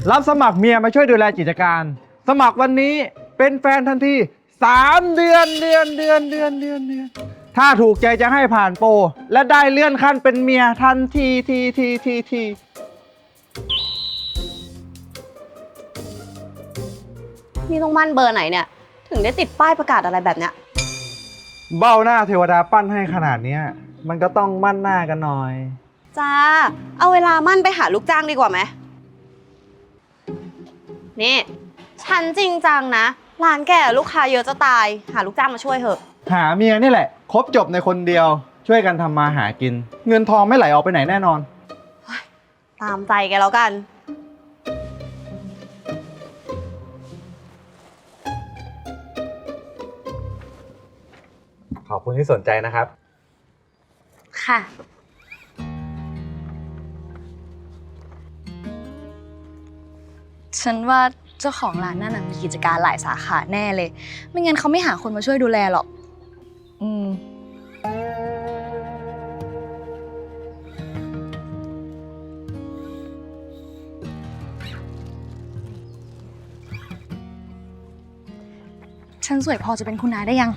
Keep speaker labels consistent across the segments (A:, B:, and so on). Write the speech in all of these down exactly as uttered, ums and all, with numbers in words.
A: รับสมัครเมียมาช่วยดูแลกิจการ สมัครวันนี้เป็นแฟนทันทีสามเดือนเดือนเดือนเดือนเดือนเดือนถ้าถูกใจจะให้ผ่านโปรและได้เลื่อนขั้นเป็นเมียทันทีทีทีทีที
B: นี่ต้องมั่นเบอร์ไหนเนี่ยถึงได้ติดป้ายประกาศอะไรแบบเนี้ย
A: เบ้าหน้าเทวดาปั้นให้ขนาดนี้มันก็ต้องมั่นหน้ากันหน่อย
B: จ้าเอาเวลามั่นไปหาลูกจ้างดีกว่าไหมนี่ฉันจริงจังนะร้านแกลูกค้าเยอะจะตายหาลูกจ้างมาช่วยเถอะ
A: หาเมียนี่แหละครบจบในคนเดียวช่วยกันทำมาหากินเงินทองไม่ไหลออกไปไหนแน่นอน
B: ตามใจแกแล้วกัน
A: ขอบคุณที่สนใจนะครับ
B: ค่ะ
C: ฉันว่าเจ้าของร้านนั่นมีกิจการหลายสาขาแน่เลยไม่งั้นเขาไม่หาคนมาช่วยดูแลหรอกอืมฉันสวยพอจะเป็นคุณนายได้ยัง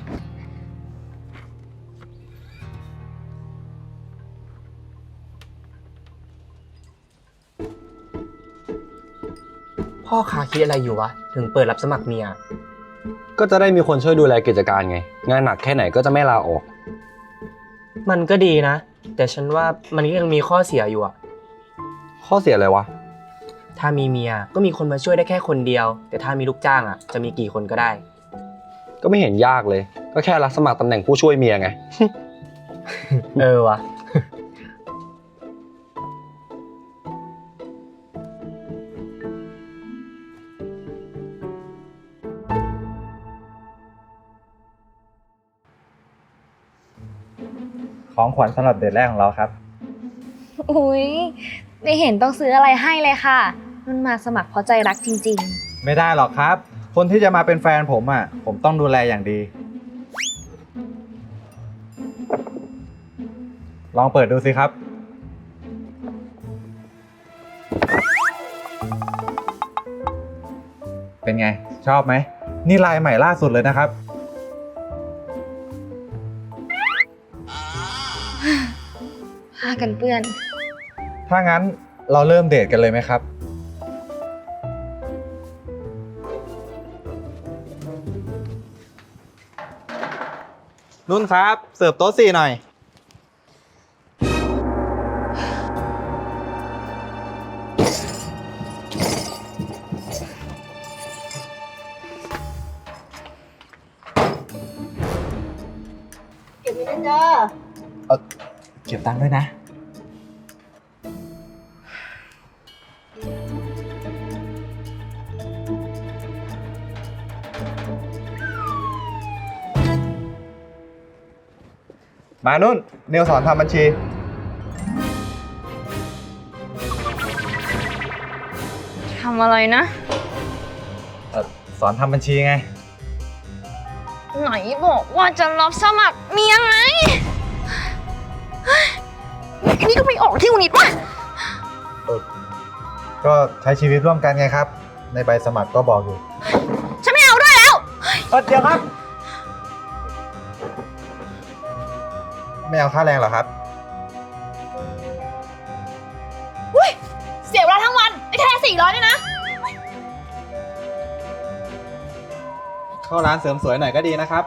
D: พ่อค้าคิดอะไรอยู่วะถึงเปิดรับสมัครเมีย
E: ก็จะได้มีคนช่วยดูแลกิจการไงงานหนักแค่ไหนก็จะไม่ลาออก
D: มันก็ดีนะแต่ฉันว่ามันก็ยังมีข้อเสียอยู่อะ
E: ข้อเสียอะไรวะ
D: ถ้ามีเมียก็มีคนมาช่วยได้แค่คนเดียวแต่ถ้ามีลูกจ้างอะจะมีกี่คนก็ได้
E: ก็ไม่เห็นยากเลยก็แค่รับสมัครตำแหน่งผู้ช่วยเมียไง
D: เออวะ
A: ของขวัญสำหรับเดทแรกของเราครับ
C: อุ๊ยไม่เห็นต้องซื้ออะไรให้เลยค่ะมันมาสมัครเพราะใจรักจริง
A: ๆไม่ได้หรอกครับคนที่จะมาเป็นแฟนผมอ่ะผมต้องดูแลอย่างดีลองเปิดดูสิครับเป็นไงชอบไหมนี่ลายใหม่ล่าสุดเลยนะครับ
C: ผ้ากันเปื้อน
A: ถ้างั้นเราเริ่มเดทกันเลยไหมครับนุ่นครับเสิร์ฟโต๊ะสี่หน่อย
B: เก็บเงินจ้า
A: เออเก็บตังค์ด้วยนะมานุ่นเนวสอนทำบัญชี
C: ทำอะไรนะ
A: เออสอนทำบัญชีไง
C: ไหนบอกว่าจะรับสมัครเมียไงอันนี้ก็ไม่ออกที่อุนิดวะ
A: ก็ใช้ชีวิตร่วมกันไงครับในใบสมัครก็บอกอยู่
C: ฉันไม่เอาด้วยแล้ว
A: เออเดี๋ยวครับไม่เอาค่าแรงเหรอครับ
C: อุ้ยเสียเวลาทั้งวันไอ้แค่สี่ร้อยเนี่ยนะ
A: เข้าร้านเสริมสวยหน่อยก็ดีนะครับ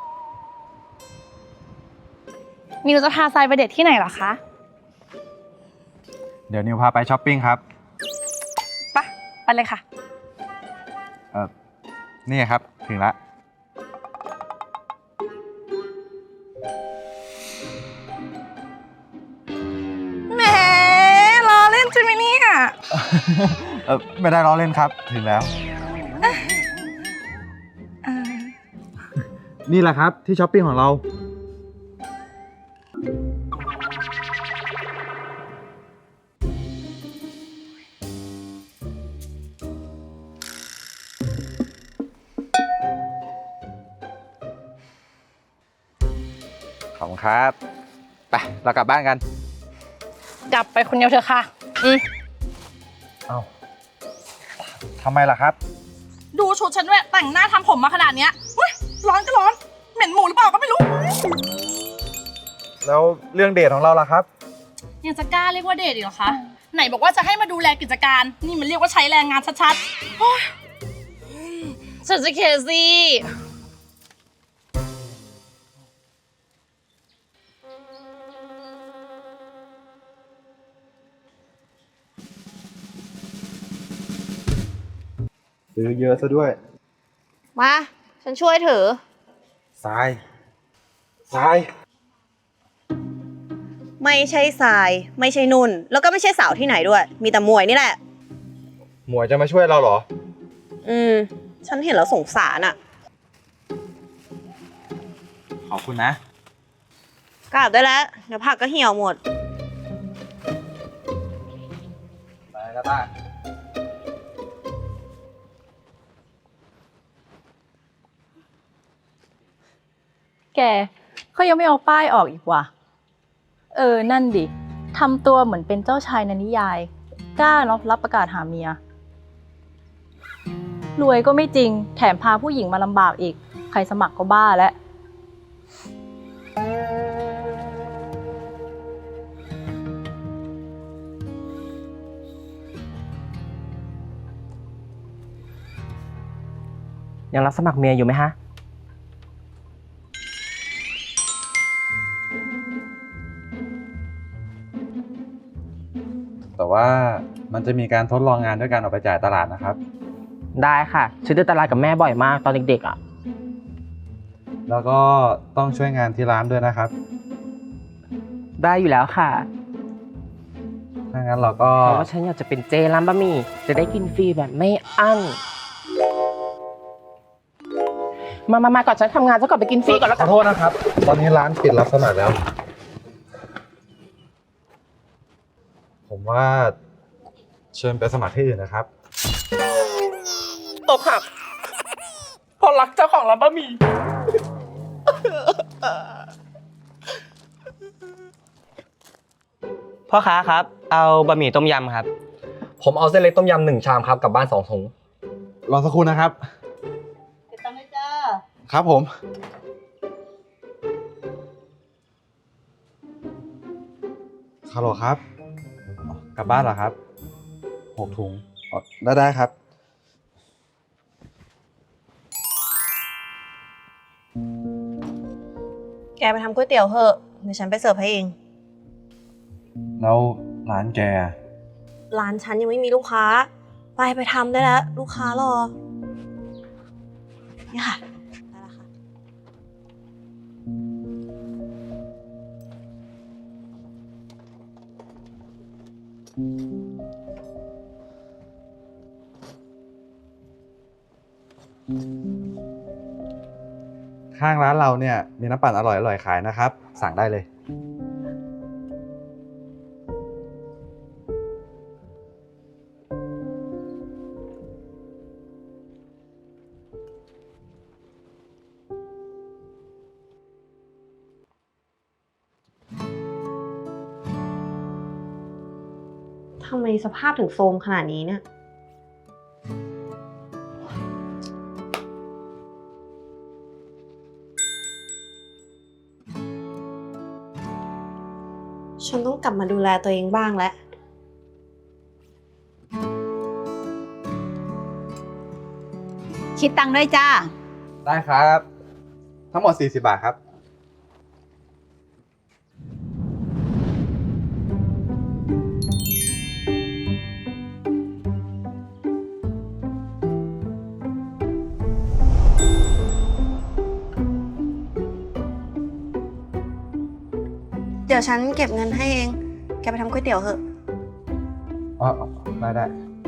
C: นิวจะพาทรายไปเดทที่ไหนเหรอคะ
A: เดี๋ยวนิวพาไปช้อปปิ้งครับ
C: ไปไปเลยค่ะ
A: เออนี่ครับถึงละ
C: แหมล้อเล่นใช่ไหมเนี่ย
A: เออไม่ได้ล้อเล่นครับถึงแล้วนี่แหละครับที่ช้อปปิ้งของเราขอบคุณครับไปเรากลับบ้านกัน
C: กลับไปคนเดียวเถอะค่ะอืม
A: เอาทำไมล่ะครับ
F: ดูชุดฉันด้วยแต่งหน้าทำผมมาขนาดเนี้ยเฮ้ยร้อนก็ร้อน เหม็นหมูหรือเปล่าก็ไม่รู้
A: แล้วเรื่องเดทของเราล่ะครับ
F: ยังจะกล้าเรียกว่าเดทอีกเหรอคะ ไหนบอกว่าจะให้มาดูแลกิจการ นี่มันเรียกว่าใช้แรงงานชัดๆโอ๊ย
B: ฉันจะเคซี่
A: ซื้อเยอะซะด้วย
B: มา ฉันช่วยถือ
A: ทราย ทราย
B: ไม่ใช่ทราย ไม่ใช่นุ่น แล้วก็ไม่ใช่สาวที่ไหนด้วย มีแต่หมวยนี่แหละ
A: หมวยจะมาช่วยเราเหรอ
B: อืม ฉันเห็นแล้วสงสารอะ
A: ขอบคุณนะ
B: กลับได้แล้ว เดี๋ยวผักก็เหี่ยวหมด
A: ไปแล้วป้า
G: แกเขายังไม่เอาป้ายออกอีกว่ะ เออ นั่นดิ ทำตัวเหมือนเป็นเจ้าชายในนิยาย กล้ารับรับประกาศหาเมีย รวยก็ไม่จริง แถมพาผู้หญิงมาลำบากอีก ใครสมัครก็บ้าแล้ว
D: ยังรับสมัครเมียอยู่ไหมฮะ
A: แต่ว่ามันจะมีการทดลองงานด้วยการออกไปจ่ายตลาดนะครับ
D: ได้ค่ะซื้อในตลาดกับแม่บ่อยมากตอนเด็กๆอ่ะ
A: แล้วก็ต้องช่วยงานที่ร้านด้วยนะครับ
D: ได้อยู่แล้วค่ะ
A: ถ้างั้นเราก็
D: เพราะว่าฉันอยากจะเป็นเจร้านบะหมี่จะได้กินฟรีแบบไม่อั้น มามามาก่อนฉันทำงานซะก่อนไปกินฟรีก่อนแล้ว
A: ข
D: กั
A: อน โทษนะครับ ตอนนี้ร้านปิดรับสมัครแล้ว ผมว่าเชิญไปสมัครที่อื่นนะครับ
F: ตกหักเพราะรักเจ้าของร้านบะหมี่
D: พ่อค้าครับ เอาบะหมี่ต้มยำครับ
E: ผมเอาเส้นเล็กต้มยำหนึ่งชามครับกลับบ้านสองถุง
A: รอสักครู่นะครับ
G: ติดตามได้จ้า
A: ครับผม ฮัลโหลครับอ๋อกลับบ้านเหรอครับ หกถุงอ๋อได้ได้ครับ
B: แกไปทำก๋วยเตี๋ยวเถอะ เดี๋ยวฉันไปเสิร์ฟให้เอง
A: แล้วร้านแก
B: ร้านฉันยังไม่มีลูกค้า ไปไปทำได้แล้ว ลูกค้ารอ นี่ค่ะ ได้แล้วค่ะ
A: ข้างร้านเราเนี่ยมีน้ำปั่นอร่อยอร่อยขายนะครับ สั่งได้เลย
B: ทำไมสภาพถึงโทรมขนาดนี้เนี่ย ฉันต้องกลับมาดูแลตัวเองบ้างแล้ว
H: คิดตังค์ด้วยจ้า
A: ได้ครับ ทั้งหมดสี่สิบบาทครับ
B: เดี๋ยวฉันเก็บเงินให้เอง แกไปทำก๋วยเตี๋ยวเถอะ
A: อ๋อได้ได้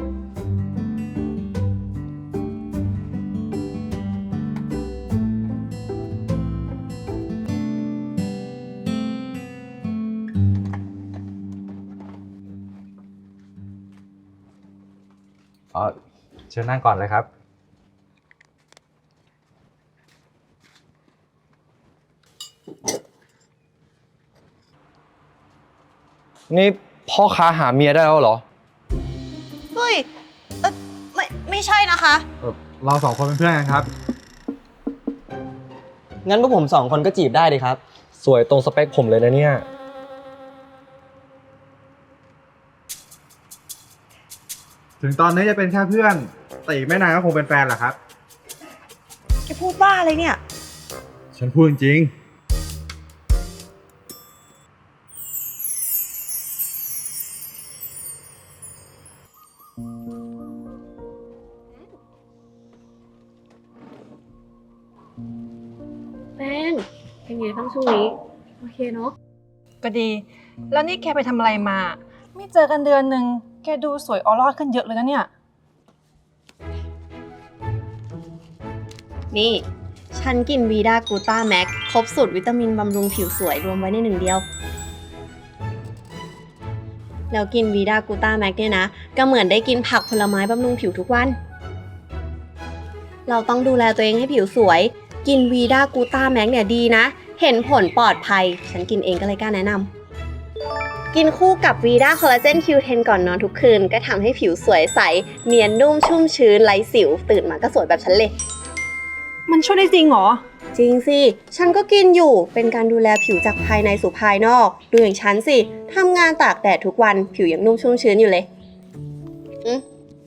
A: อ๋อ เชิญนั่งก่อนเลยครับ
E: นี่พ่อค้าหาเมียได้แล้วเหรอ
B: เฮ้ย เออไม่ไม่ใช่นะคะ
A: เอ่อเราสองคนเป็นเพื่อนกันครับ
D: งั้นพวกผมสองคนก็จีบได้ดิครับ
E: สวยตรงสเปคผมเลยนะเนี่ย
A: ถึงตอนนี้จะเป็นแค่เพื่อนแต่อีกไม่นานก็คงเป็นแฟนแหละครับ
B: แกพูดบ้าอะไรเนี่ย
A: ฉันพูดจริง
I: แป้งเป็นไงบ้างช่วงนี้โอเคเนาะ
F: ก็ดี แล้วนี่แกไปทำอะไรมา ไม่เจอกันเดือนหนึ่งแกดูสวยออร่าขึ้นเยอะเลยนะเนี่ย
B: นี่ ฉันกินวีดากูต้าแม็กครบสูตรวิตามินบำรุงผิวสวยรวมไว้ในหนึ่งเดียว แล้วกินวีดากูต้าแม็กเนี่ยนะ ก็เหมือนได้กินผักผลไม้บำรุงผิวทุกวัน เราต้องดูแลตัวเองให้ผิวสวย กินวีดากูต้าแม็กเนี่ยดีนะ เห็นผลปลอดภัย ฉันกินเองก็เลยกล้าแนะนำกินคู่กับวีดาคอลลาเจน คิว เท็น ก่อนนอนทุกคืน ก็ทำให้ผิวสวยใส เนียนนุ่มชุ่มชื้นไร้สิว ตื่นมาก็สวยแบบฉันเลย
F: มันช่วยได้จริงเหรอ
B: จริงสิ ฉันก็กินอยู่ เป็นการดูแลผิวจากภายในสู่ภายนอก ดูอย่างฉันสิ ทำงานตากแดดทุกวัน ผิวยังนุ่มชุ่มชื้นอยู่เลยอืม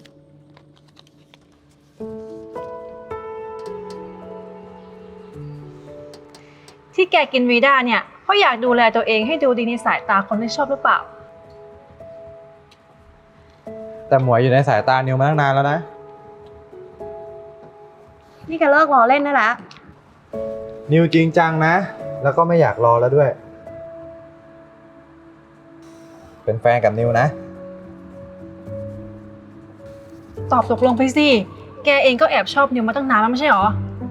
F: ที่แกกินวีด้าเนี่ยเพราะอยากดูแลตัวเองให้ดูดีในสายตาคนที่ชอบหรือเปล่า
A: ๆ แต่หมวยอยู่ในสายตานิวมาตั้งนานแล้วนะ
B: นี่แกเลิกล้อเล่นได้แล้ว
A: นิวจริงจังนะ แล้วก็ไม่อยากรอแล้วด้วย เป็นแฟนกับนิวนะ
F: ตอบตกลงไปสิ แกเองก็แอบชอบนิวมาตั้งนานแล้วไม่ใช่หรอ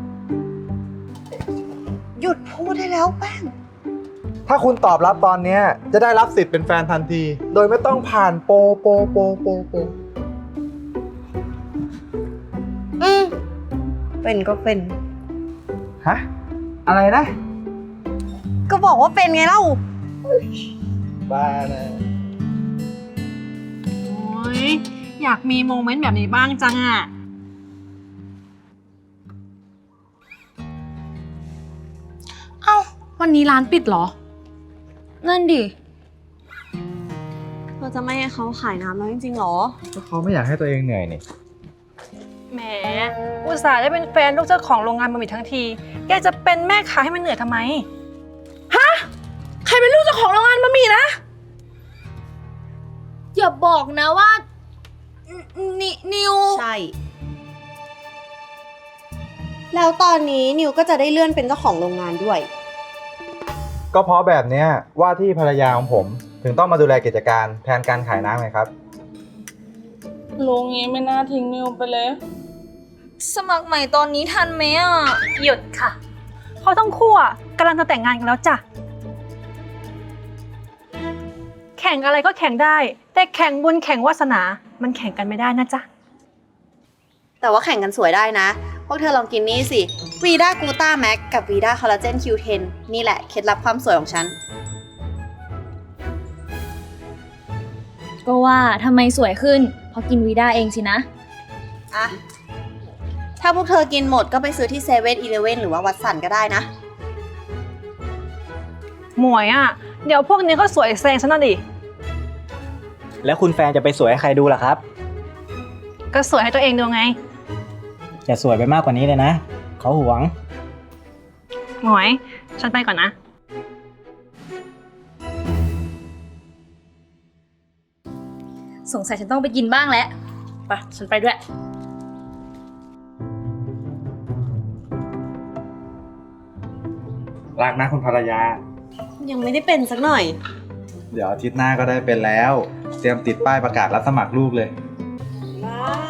B: หยุดพูดได้แล้วแป้ง
A: ถ้าคุณตอบรับตอนเนี้ยจะได้รับสิทธิ์เป็นแฟนทันที โดยไม่ต้องผ่านโปรโปรโปรโปรโปร
B: อืม เป็นก็เป็น
A: ฮะ อะไรนะ
B: ก็บอกว่าเป็นไงเล่า
A: บ้านะ
F: โอ้ยอยากมีโมเมนต์แบบนี้บ้างจังอะเอ้า วันนี้ร้านปิดเหรอ
C: นั่นดิ
B: เราจะไม่ให้เขาขายน้ำแล้วจริงๆหรอ
A: ก็เขาไม่อยากให้ตัวเองเหนื่อยนี่
F: แหม อุตส่าห์ได้เป็นแฟนลูกเจ้าของโรงงานบะหมี่ทั้งที แกจะเป็นแม่ค้าให้มันเหนื่อยทำไม ฮะ ใครเป็นลูกเจ้าของโรงงานบะหมี่นะ
C: อย่าบอกนะว่านินิว
B: ใช่ แล้วตอนนี้นิวก็จะได้เลื่อนเป็นเจ้าของโรงงานด้วย
A: ก็เพราะแบบเนี้ยว่าที่ภรรยาของผมถึงต้องมาดูแลกิจการแทนการขายน้ำไงครับ
F: ลุงงี้ไม่น่าทิ้งนิวไปเลย
C: สมัครใหม่ตอนนี้ทันไหมอ่ะ
F: หยุดค่ะ เขาต้องคู่อ่ะกำลังจะแต่งงานกันแล้วจ้ะ แข่งอะไรก็แข่งได้ แต่แข่งบุญแข่งวาสนา มันแข่งกันไม่ได้นะจ๊ะ
B: แต่ว่าแข่งกันสวยได้นะ พวกเธอลองกินนี่สิวีด้ากูต้าแม็กกับวีด้าคอลลาเจน คิว เท็น นี่แหละเคล็ดลับความสวยของฉัน
C: ก็ว่าทำไมสวยขึ้น เพราะกินวีด้าเองสินะ
B: อ่ะ ถ้าพวกเธอกินหมดก็ไปซื้อที่เซเว่นอีเลฟเว่นหรือว่าวัดสันก็ได้นะ
F: หมวยอ่ะ เดี๋ยวพวกนี้ก็สวยแซงฉันน่ะดิ
D: แล้วคุณแฟนจะไปสวยให้ใครดูล่ะครับ
F: ก็สวยให้ตัวเองดูไง
D: อย่าสวยไปมากกว่านี้เลยนะ เขาหวง
F: หมวย ฉันไปก่อนนะ
C: สงสัยฉันต้องไปกินบ้างแล้วไปฉันไปด้วย
A: รักนะคุณภรรยา
B: ยังไม่ได้เป็นสักหน่อย
A: เดี๋ยวอาทิตย์หน้าก็ได้เป็นแล้ว เตรียมติดป้ายประกาศรับสมัครลูกเลย
B: ว้า